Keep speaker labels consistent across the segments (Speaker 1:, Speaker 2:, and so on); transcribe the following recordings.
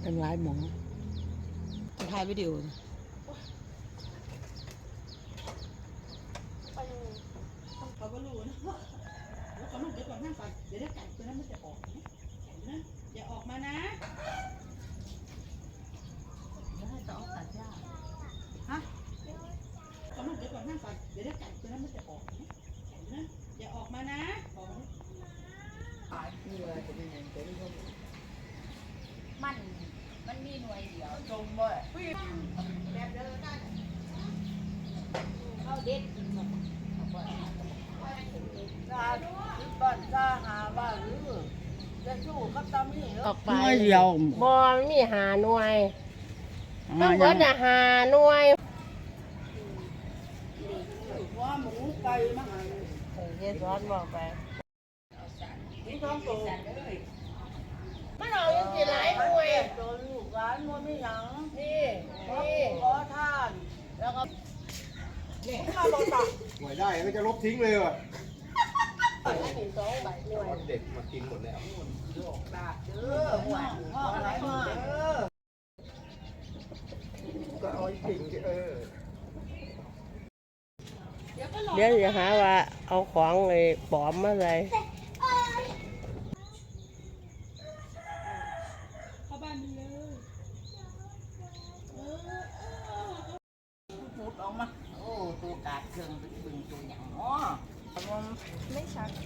Speaker 1: ตั้งหลายหมอจะถ่ายวิดีโอเขาก็รู้นะแล้วเขาลูกเดี๋ยวก่อนนั่งก่อนเดี๋ยวไก่ตัวนั้นมันจะออกนะไก่นะอย่าออกมานะเดี๋ยวให้ต่อตัดหญ้าฮะเขาลูกเดี๋ยวก่อนนั่งก่อนเดี๋ยวไก่ตัวนั้นมันจะออกนะไก่นะอย่าออกมานะออกมานี่ว่าจะเป็นยังไง
Speaker 2: มันมีหน่วยเดียว
Speaker 1: จงบ่
Speaker 2: แบบเดิมได้เข้าเด็ดกินหมด
Speaker 1: บ้านจ้าหาบ้านหรือจะสู้กับตามี
Speaker 3: ออกไป
Speaker 1: ไม่เดียว
Speaker 3: บอมีหาหน่วยต้องเบิดน่ะหาหน่วย
Speaker 1: ว่าหมูไปมาหา
Speaker 3: เฮ็ดร้อนบอกไป
Speaker 1: ที่ท้องโต
Speaker 3: มันออกยังสิหลายหน่วย
Speaker 1: โดนลูกร้านมันไม่หยัง
Speaker 3: นี่
Speaker 1: ขอทาน
Speaker 3: แล้วก็
Speaker 1: นี่ข้าวบดตัก
Speaker 4: หวยได้ก็จะลบทิ้งเลยว่ะ
Speaker 3: กิน2ใบหน่วย
Speaker 4: เด็กมากินหมดแล้ว
Speaker 1: หัวพ่ออะไรมา
Speaker 4: ก็เอาจริง
Speaker 3: เดี๋ยวจะหาว่าเอาของไอ้ปลอมมาใส่
Speaker 1: เข้าบ้านมันเลยพูดออกมา
Speaker 2: โอ้ตัวกาดเครื่องบึงตัวอย่างอ๋อไม่ชัด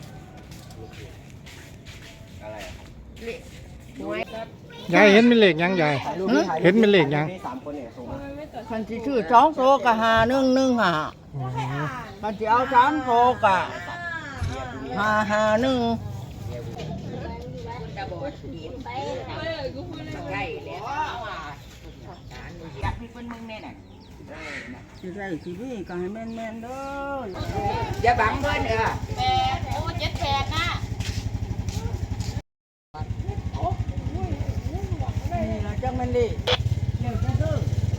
Speaker 4: อะไรอ่ะ
Speaker 3: หน่วย
Speaker 5: ยายเห็นเป็นเหล็กยังยายเห็นเป็นเหล็กยัง
Speaker 4: สามคนเนี่ยส่งมา
Speaker 1: คันที่ชื่อสองโซกะหา1 1หาคันที่เอา3โซกะหา1
Speaker 2: คุณตาบอดหยิบไปใกล้แล้วว่าการอยากมีเป็นมึงแน่น่ะ
Speaker 1: สิได้สิพี่ก็ให้แม่นๆเด้อ
Speaker 2: อย่าบังเพิ่น8โอ้78นะ
Speaker 1: นี่ล่ะจังมันดิเดี๋ยวจะซื้อ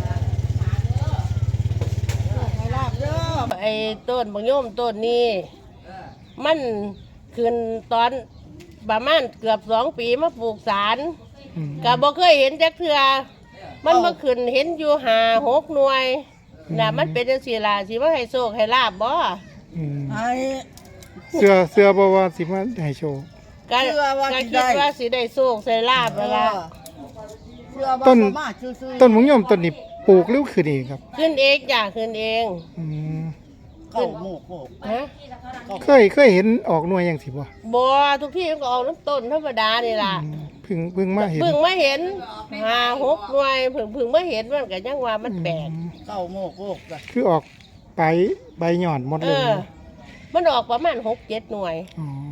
Speaker 1: ให้ลาบเด้อ
Speaker 3: ไอ้ต้นบางโยมต้นนี้มันขึ้นตอนประมาณเกือบ2 ปีมาปลูกสารก็บ่เคยเห็นจักเทื่อมันมาขึ้นเห็นอยู่5-6 หน่วยน่ะมันเป็นจังซี่ล่ะสิว่าให้โชคให้ลาบบ่
Speaker 1: ให้
Speaker 5: เสื้อบอกว่าสิมาให้โชว์
Speaker 3: ก็คิดว่าสิได้โชคได้ลาบนั่นล่ะ
Speaker 1: เชื่อบ่มาซื่อๆ
Speaker 5: ต้นมะยมต้นนี้ปลูกหรือขึ้นเองครับ
Speaker 3: ขึ้นเองจ้ะขึ้นเอง
Speaker 5: อืม
Speaker 1: เข้าหมู่โคก
Speaker 3: ฮะ
Speaker 5: เคยเห็นออกหน่วยอย่างสิบ่
Speaker 3: บ่ทุกที่มันก็ออกน้ำต้นธรรมดานี่ล่ะ
Speaker 5: เพิ่งมาเห็น
Speaker 3: เพิ่งมาเห็น5-6 หน่วยเพิ่งมาเห็นมันก็ยังว่ามันแปลก
Speaker 1: เข้าหมู่โคกจ้ะ
Speaker 5: คือออกใบหย่อนหมด
Speaker 3: เอ
Speaker 5: เลย
Speaker 3: อ มันออกประมาณ6-7 หน่วย
Speaker 5: อ๋อ